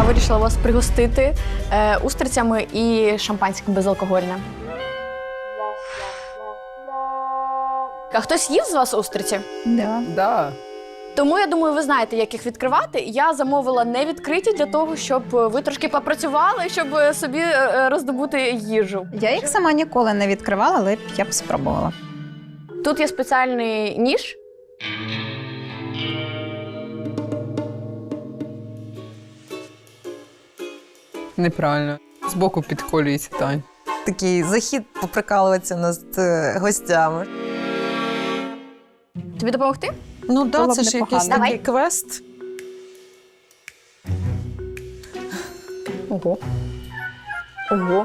вирішила вас пригостити устрицями і шампанським безалкогольним. А хтось їв з вас устриці? Да. Тому, я думаю, ви знаєте, як їх відкривати. Я замовила не відкриті для того, щоб ви трошки попрацювали, щоб собі роздобути їжу. Я їх сама ніколи не відкривала, але я б спробувала. Тут є спеціальний ніж. Неправильно. Збоку підколюється, Тань. Такий захід поприкалуватися над гостями. Тобі допомогти? Ну так, Було б це ж непогано. якийсь Давай. такий квест. Ого. Ого.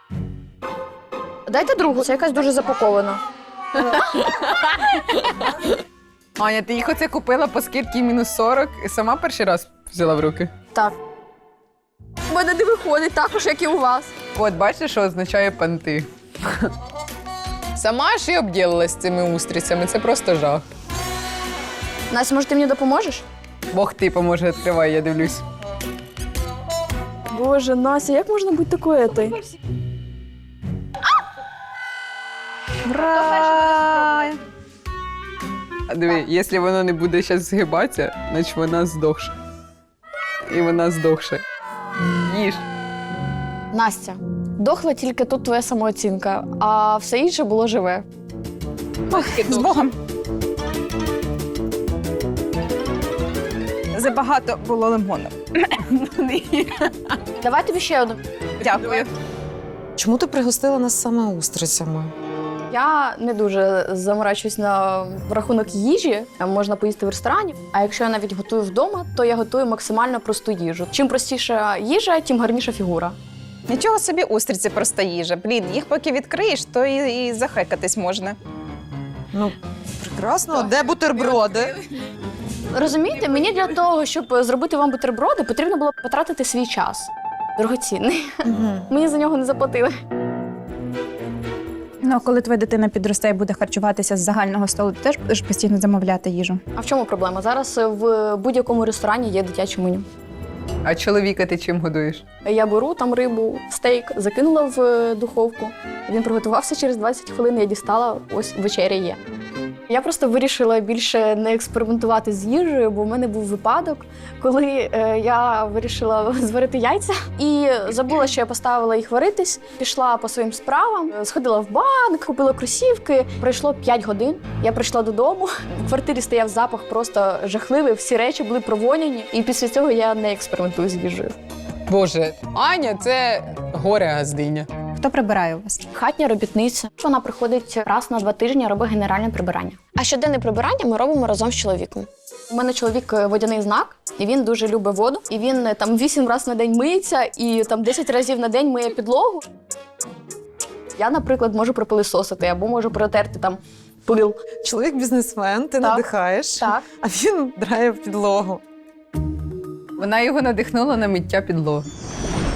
Дайте другу, це якась дуже запакована. Аня, ти їх оце купила по скидці мінус 40 і сама перший раз взяла в руки? Так. У мене не виходить також, як і у вас. От, бачиш, що означає панти. Сама ж і обділилась цими устрицями, це просто жах. Настя, може, ти мені допоможеш? Бог ти поможе, відкривай, я дивлюсь. Боже, Настя, як можна бути такою ти? Ура! Диви, якщо воно не буде зараз згибатися, значить вона здохше. І вона здохше. Їж. Настя, дохла тільки тут твоя самооцінка, а все інше було живе. З Богом. Забагато було лимону. Давай тобі ще одну. Дякую. Чому ти пригостила нас саме устрицями? Я не дуже заморачуюсь на рахунок їжі. Можна поїсти в ресторані. А якщо я навіть готую вдома, то я готую максимально просту їжу. Чим простіша їжа, тим гарніша фігура. Нічого собі, устриці проста їжа. Блін, їх поки відкриєш, то і захекатись можна. Ну, прекрасно. Де бутерброди? Розумієте, мені для того, щоб зробити вам бутерброди, потрібно було потратити свій час. Дорогоцінний. Мені за нього не заплатили. Ну, а коли твоя дитина підросте і буде харчуватися з загального столу, ти теж будеш постійно замовляти їжу? А в чому проблема? Зараз в будь-якому ресторані є дитяче меню. А чоловіка ти чим годуєш? Я беру там рибу, стейк, закинула в духовку. Він приготувався через 20 хвилин, я дістала, ось вечеря є. Я просто вирішила більше не експериментувати з їжею, бо в мене був випадок, коли я вирішила зварити яйця і забула, що я поставила їх варитись, пішла по своїм справам, сходила в банк, купила кросівки. Пройшло 5 годин, я прийшла додому, в квартирі стояв запах просто жахливий, всі речі були провоняні, і після цього я не експериментую з їжею. Боже, Аня – це горе-газдиня. Хто прибирає у вас? Хатня робітниця. Вона приходить раз на 2 тижні, робить генеральне прибирання. А щоденне прибирання ми робимо разом з чоловіком. У мене чоловік водяний знак, і він дуже любить воду. І він там 8 разів на день миється, і там 10 разів на день миє підлогу. Я, наприклад, можу пропилисосити або можу протерти там пил. Чоловік бізнесмен, ти Так. надихаєш, Так. а він драє в підлогу. Вона його надихнула на миття підлоги.